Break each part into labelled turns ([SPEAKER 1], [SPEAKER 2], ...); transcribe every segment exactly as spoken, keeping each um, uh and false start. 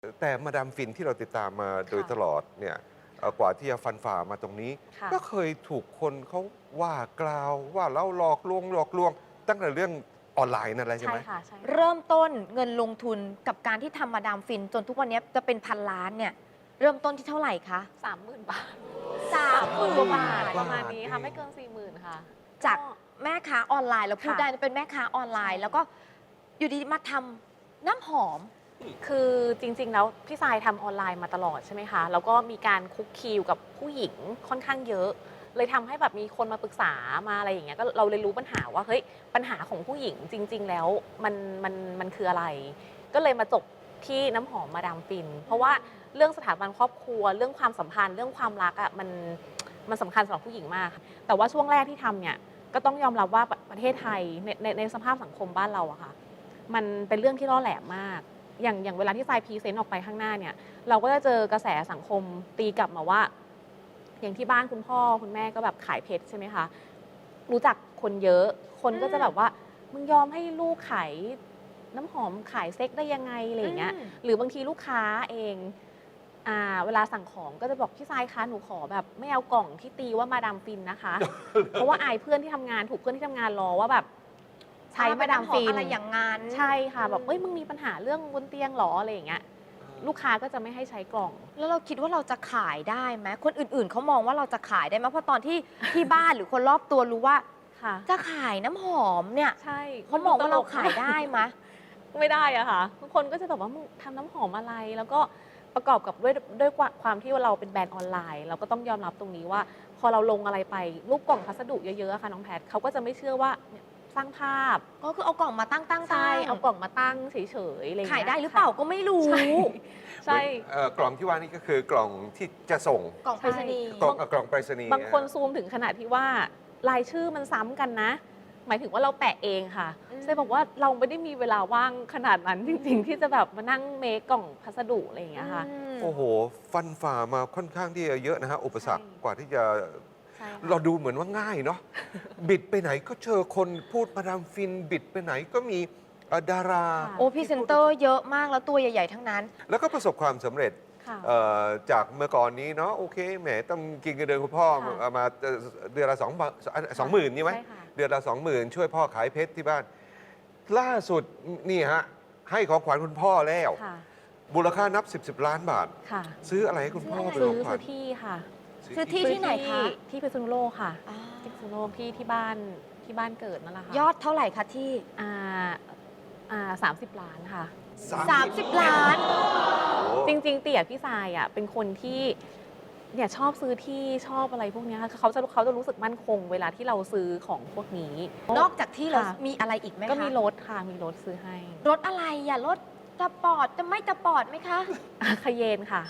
[SPEAKER 1] แต่มาดามฟินที่เราติดตามมาโดยตลอดเนี่ยกว่าที่จะฟันฝ่ามาตรงนี้ ก็เคยถูกคนเขาว่ากล่าวว่าเราหลอกลวงหลอกลวงตั้งแต่เรื่องออนไลน์นั่นแหละใช่ไหม
[SPEAKER 2] ใช่ค่ะใช่ค่ะ
[SPEAKER 3] เริ่มต้นเงินลงทุนกับการที่ทำมาดามฟิน จนทุกวันนี้จะเป็นพันล้านเนี่ยเริ่มต้นที่เท่าไหร่คะ
[SPEAKER 2] สามหมื่นบาท
[SPEAKER 3] สามหมื่น
[SPEAKER 2] กว่าบาท
[SPEAKER 1] บาท
[SPEAKER 2] ประมาณนี้ค่ะ ไม่เกินสี่หมื่นค่ะ
[SPEAKER 3] จากแม่ค้าออนไลน์เราพูด
[SPEAKER 2] ค่ะ
[SPEAKER 3] ได้เป็นแม่ค้าออนไลน์
[SPEAKER 2] ใช่
[SPEAKER 3] แล้วก็อยู่ดีมาทำน้ำหอม
[SPEAKER 2] คือจริงๆแล้วพี่ทรายทำออนไลน์มาตลอดใช่ไหมคะแล้วก็มีการคุกคีอยู่กับผู้หญิงค่อนข้างเยอะ เลยทำให้แบบมีคนมาปรึกษามาอะไรอย่างเงี้ยก็เราเลยรู้ปัญหาว่าเฮ้ยปัญหาของผู้หญิงจริง ๆ แล้วมันมันมันคืออะไร ก็เลยมาจบที่น้ำหอมมาดามฟิน เพราะว่าเรื่องสถาบันครอบครัวเรื่องความสัมพันธ์เรื่องความรักอ่ะมันมันสำคัญสำหรับผู้หญิงมาก แต่ว่าช่วงแรกที่ทำเนี่ยก็ต้องยอมรับว่าประเทศไทยในในในสภาพสังคมบ้านเราอะค่ะมันเป็นเรื่องที่ล่อแหลมมาก อย่างอย่างเวลาที่ทรายพรีเซนต์ออกไปข้างหน้าเนี่ยเราก็จะเจอกระแสสังคมตีกลับมาว่า อย่างที่บ้านคุณพ่อคุณแม่ก็แบบขายเพชรใช่ไหมคะรู้จักคนเยอะคนก็จะแบบว่ามึงยอมให้ลูกขายน้ำหอมขายเซ็กได้ยังไงอะไรอย่างเงี้ย
[SPEAKER 3] อืม
[SPEAKER 2] หรือบางทีลูกค้าเองอ่าเวลาสั่งของก็จะบอกพี่ทรายคะหนูขอแบบไม่เอากล่องที่ตีว่ามาดามฟินนะคะ เพราะว่าอายเพื่อนที่ทำงานถูกเพื่อนที่ทำงานรอว่าแบบใช้มาดามฟิน
[SPEAKER 3] อะไรอย่างงั้น
[SPEAKER 2] ใช่ค่ะแบบเอ้ยมึงมีปัญหาเรื่องบนเตียงหรออะไรอย่างเงี้ยลูกค้าก็จะไม่ให้ใช้กล่อง
[SPEAKER 3] แล้วเราคิดว่าเราจะขายได้ไหมคนอื่นๆเขามองว่าเราจะขายได้ไหมเพราะตอนที่ที่บ้านหรือคนรอบตัวรู้ว่า
[SPEAKER 2] ค่ะ
[SPEAKER 3] จะขายน้ำหอมเนี่ย
[SPEAKER 2] ใช่
[SPEAKER 3] เขามองว่าเราขายได้ไหม
[SPEAKER 2] ไม่ได้อะค่ะทุกคนก็จะแบบว่ามึงทำน้ำหอมอะไร แล้วก็ประกอบกับด้วยด้วยความที่ว่าเราเป็นแบรนด์ออนไลน์ เราก็ต้องยอมรับตรงนี้ว่า พอเราลงอะไรไปรูปกล่องพัสดุเยอะๆอะค่ะน้องแพทเขาก็จะไม่เชื่อว่าเนี่ยสร้างภาพ
[SPEAKER 3] ก็คือเอากล่องมาตั้งตั้ง
[SPEAKER 2] ใช่เอากล่องมาตั้งเฉยๆอะไรอง
[SPEAKER 3] ขาย
[SPEAKER 2] เงี้
[SPEAKER 3] ได้หรือเปล่าก็ไม่รู้
[SPEAKER 2] ใช่ใช่
[SPEAKER 1] เอ่อกล่องที่ว่านี่ก็คือกล่องที่จะส่ง
[SPEAKER 3] กล่องไปรษณีย์
[SPEAKER 1] กล่องเอ่อกล่องไปรษณีย์
[SPEAKER 2] บางคนซูมถึงขนาดที่ว่ารายชื่อมันซ้ำกันนะ หมายถึงว่าเราแปะเองค่ะ
[SPEAKER 3] อืม
[SPEAKER 2] เซบอกว่าเราไม่ได้มีเวลาว่างขนาดนั้นจริง ๆ ที่จะแบบมานั่งเมคกล่องพัสดุอะไรอย่างเงี้ยค่ะ
[SPEAKER 3] อืม
[SPEAKER 1] โอ้โห ฟันฝ่ามาค่อนข้างที่จะเยอะนะฮะ อุปสรรค
[SPEAKER 2] ใช่
[SPEAKER 1] กว่าที่จะ
[SPEAKER 2] ใช่ค่ะ
[SPEAKER 1] เราดูเหมือนว่าง่ายเนาะ บิดไปไหนก็เจอคนพูดมาดามฟิน บิดไปไหนก็มีเอ่อดารา
[SPEAKER 2] ค่ะ
[SPEAKER 3] โอ้พรีเซนเตอร์เยอะมากแล้วตัวใหญ่ ๆ ทั้งนั้น
[SPEAKER 1] แล้วก็ประสบความสำเร็จ
[SPEAKER 2] ค่ะ
[SPEAKER 1] เอ่อจากเมื่อก่อนนี้เนาะโอเคแหมต้องกินเงินเดือนคุณพ่อ
[SPEAKER 2] ค่ะ
[SPEAKER 1] เอามาเอ่อเดือนละสองบาทสองหมื่นใช่ไหม
[SPEAKER 2] ใช่ค่ะ
[SPEAKER 1] เดือนละสองหมื่นช่วยพ่อขายเพชรที่บ้าน ล่าสุดนี่ฮะ ให้ของขวัญคุณพ่อแล้ว
[SPEAKER 2] ค่ะ
[SPEAKER 1] มูลค่านับสิบสิบล้านบาท
[SPEAKER 2] ค่ะ
[SPEAKER 1] ซื้ออะไรให้คุณพ่อ
[SPEAKER 3] ซื้
[SPEAKER 1] เป็น
[SPEAKER 2] ซื้
[SPEAKER 1] ข
[SPEAKER 2] อ
[SPEAKER 1] องขวั
[SPEAKER 2] ซื้
[SPEAKER 1] ญ
[SPEAKER 2] อที่ค่ะ
[SPEAKER 3] ซื้อที่ ที่ไหนคะ
[SPEAKER 2] ที่พิษณุโลกค่ะ
[SPEAKER 3] อ่า
[SPEAKER 2] ที่พิษณุโลกที่ที่บ้านที่บ้านเกิดนั่นแหละค่ะ
[SPEAKER 3] ยอดเท่าไหร่คะที่
[SPEAKER 2] อ่าอ่าสามสิบล้านค่ะ
[SPEAKER 3] สามสิบล้าน
[SPEAKER 2] จริงๆเตี่ยพี่ทรายอ่ะเป็นคนที่เนี่ยชอบซื้อที่ชอบอะไรพวกเนี้ยค่ะเขาจะเขาจะรู้สึกมั่นคงเวลาที่เราซื้อของพวกนี้
[SPEAKER 3] นอกจากที่เรา
[SPEAKER 2] ค่ะ
[SPEAKER 3] มีอะไรอีกไหมคะ
[SPEAKER 2] ก็มีรถค่ะมีรถซื้อให้
[SPEAKER 3] รถอะไรอย่ารถสปอร์ตจะไม่สปอร์ตไหมคะ
[SPEAKER 2] คาเยนค่ะ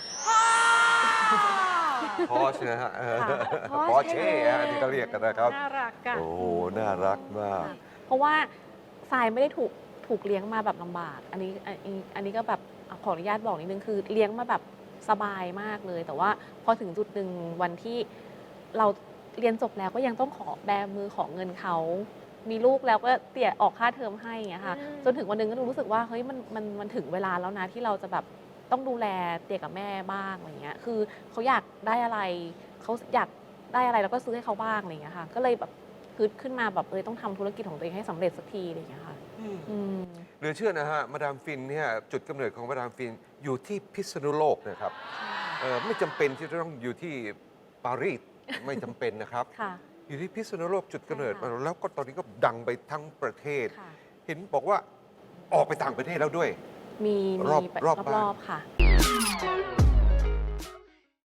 [SPEAKER 1] พอชนะฮะ
[SPEAKER 2] ค่ะ
[SPEAKER 1] พอเช่ฮะที่เขาเรียกกันนะครับ
[SPEAKER 2] น่ารักอะ
[SPEAKER 1] โอ้โห น่ารักมาก
[SPEAKER 2] เพราะว่าทรายไม่ได้ถูกถูกเลี้ยงมาแบบลำบาก อันนี้อันนี้อันนี้ก็แบบขออนุญาตบอกนิดนึงคือเลี้ยงมาแบบสบายมากเลย แต่ว่าพอถึงจุดหนึ่งวันที่เราเรียนจบแล้วก็ยังต้องขอแบมือขอเงินเขา มีลูกแล้วก็เตี่ยออกค่าเทอมให้อย่างเงี้ยค่ะ
[SPEAKER 3] อืม
[SPEAKER 2] จนถึงวันหนึงก็รู้สึกว่าเฮ้ยมันมันมันถึงเวลาแล้วนะที่เราจะแบบต้องดูแลเตี่ยกับแม่บ้างอะไรเงี้ย คือเขาอยากได้อะไรเขาอยากได้อะไรแล้วก็ซื้อให้เขาบ้างอะไรเงี้ยค่ะ ก็เลยแบบฮึดขึ้นมาแบบเออต้องทำธุรกิจของตัวเองให้สำเร็จสักทีอะไรเงี้ยค่ะ อืม
[SPEAKER 1] เหลือเชื่อนะฮะ มาดามฟินเนี่ยจุดกำเนิดของมาดามฟินอยู่ที่พิษณุโลกนะครับเอ่อไม่จำเป็นที่จะต้องอยู่ที่ปารีส ไม่จำเป็นนะครับ
[SPEAKER 2] ค่ะ
[SPEAKER 1] อยู่ที่พิษณุโลกจุดกำเนิด
[SPEAKER 2] ใช่ค่ะ
[SPEAKER 1] แล้วก็ตอนนี้ก็ดังไปทั้งประเทศ
[SPEAKER 2] ค่ะ
[SPEAKER 1] เห็นบอกว่าออกไปต่างประเทศแล้วด้วย
[SPEAKER 2] มี
[SPEAKER 1] รอบ
[SPEAKER 2] มี
[SPEAKER 1] รอบบ้าน
[SPEAKER 2] รอบๆค่ะ